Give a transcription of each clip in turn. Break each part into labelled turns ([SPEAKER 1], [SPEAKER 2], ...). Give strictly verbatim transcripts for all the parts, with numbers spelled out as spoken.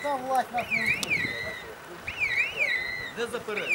[SPEAKER 1] пока власть нас не услышит.
[SPEAKER 2] Не заперечуй.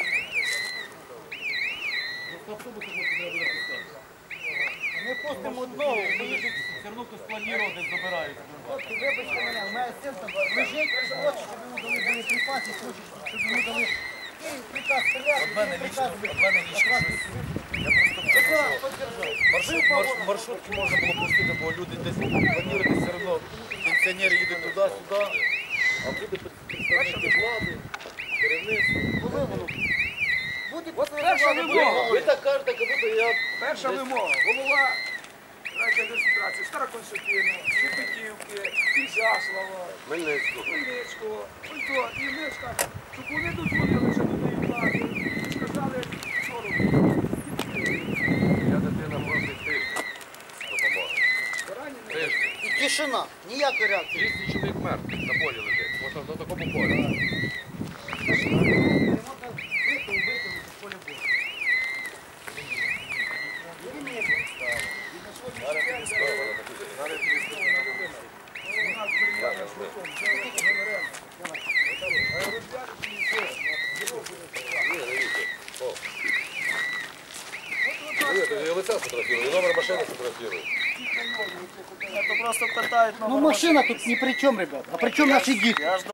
[SPEAKER 2] В автобусі треба буде пускати.
[SPEAKER 1] Ми пустимо одного, виїдуть.
[SPEAKER 2] Все одно хтось планував, десь забирають.
[SPEAKER 1] Хлопці, вибачте мене, у мене син там лежить, хоче, щоб йому дали боєприпаси, хоче, щоб йому дали приказ стріляти.
[SPEAKER 2] От мене лічно, от мене лічно щось. Я просто маршрут, марш, маршрутки можна було пустити, бо люди десь планують все одно. Пенсіонери їдуть туди-сюди, а люди представники влади, керівництво.
[SPEAKER 1] Коли воно? Буде
[SPEAKER 3] перша вимога.
[SPEAKER 2] Ви так кажете, як будто я...
[SPEAKER 3] Перша вимога. Голова райдержадміністрації Староконстантина, Шепетівки, Ізяслава,
[SPEAKER 4] Хмельницького.
[SPEAKER 3] Хмельницького. Ото, і ми скажемо, щоб вони дозволили, що туди влади, і сказали, що робити.
[SPEAKER 4] Я дитина просить тиждень допомоги.
[SPEAKER 3] Поранені.
[SPEAKER 4] Тиждень.
[SPEAKER 1] І тишина, ніякої реакції.
[SPEAKER 4] двісті чоловік мертвих на полі лежить. Ось на такому полі. Я лица сфотографирую, и номер машины сфотографирую.
[SPEAKER 3] Це просто питають
[SPEAKER 1] Ну машина тут ни при чем, ребят. А при чем наши дети?